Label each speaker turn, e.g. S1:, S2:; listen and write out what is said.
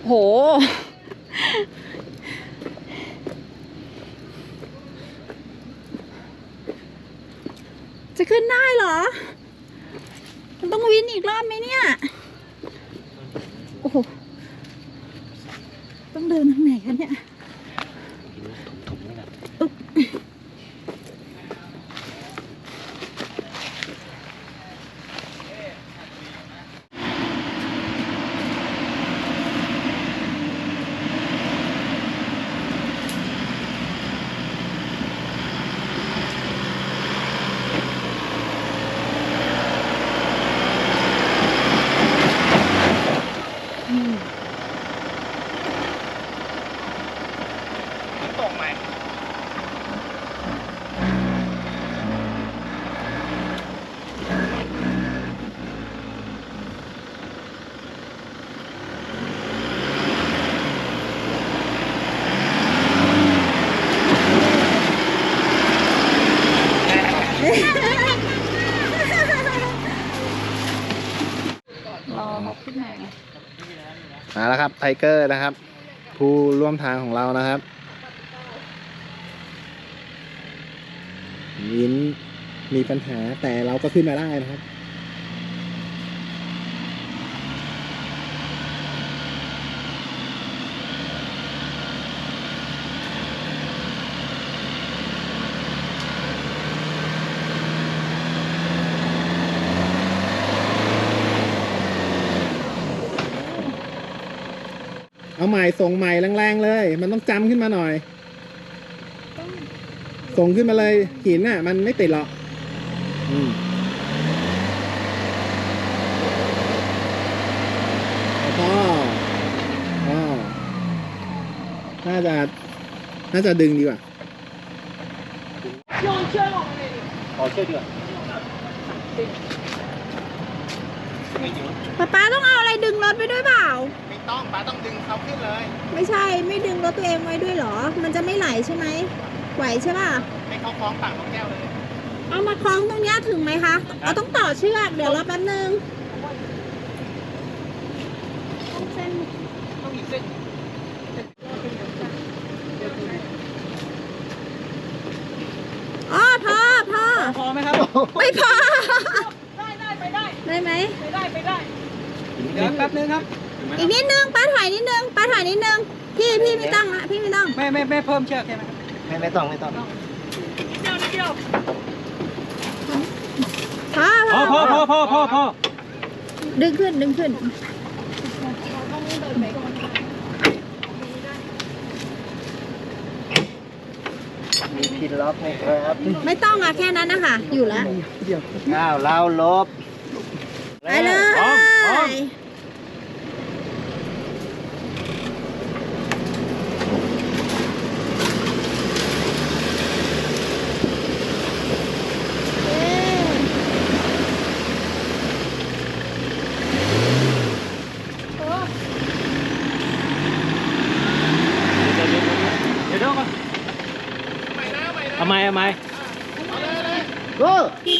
S1: หจะขึ้นได้เหรอมันต้องวินอีกรอบไหมเนี่ยโอ้โหต้องเดินทางไหนคะเนี่ย
S2: ตรงไหม
S1: รอเขาขึ้นมาไง
S2: มาแล้วครับไทเกอร์นะครับผู้ร่วมทางของเรานะครับวินมีปัญหาแต่เราก็ขึ้นมาได้นะครับเอาใหม่ส่งใหม่แรงๆเลยมันต้องจำขึ้นมาหน่อยส่งขึ้นมาเลยหินน่ะมันไม่ติดหรอกน่าจะดึงดีกว่าขอเชือกดีกว่า
S1: ป๊าต้องเอาอะไรดึงรถไปด้วยเปล่า
S2: ไม่ต้องป้าต้องดึงเขาขึ้นเลย
S1: ไม่ใช่ไม่ดึงรถตัวเองไว้ด้วยเหรอมันจะไม่ไหลใช่ไหมไหวใช่ป่ะ
S2: ให้เขาคล้องปากของแก้วเลย
S1: เอามาคล้องตรงนี้ถึงไหมคะเราต้องต่อเชือกเดี๋ยวรอแป๊บนึงต้องเส้น
S2: ต้องอีกเส้น
S1: อ๋อพอไหมครับไม่พอได้ไปได้ไหมไปได้
S2: เดี๋ยวแป๊บนึงครับ
S1: อีกนิดนึงป้าถอยนิดนึงพี่ไม่ต้องนะพี่ไม่ต้อง
S2: ไม่เพิ่มเชือกใช่ไหมไม่ต้องนิดเดียวพอ
S1: ดึงขึ้น
S2: มีพินล็อกไหมครับ
S1: ไม่ต้องอะแค่นั้นนะคะอยู่แล้ว
S2: เราลบ
S1: ไปเลย
S2: เดี๋ยวก่อนทำไม
S3: go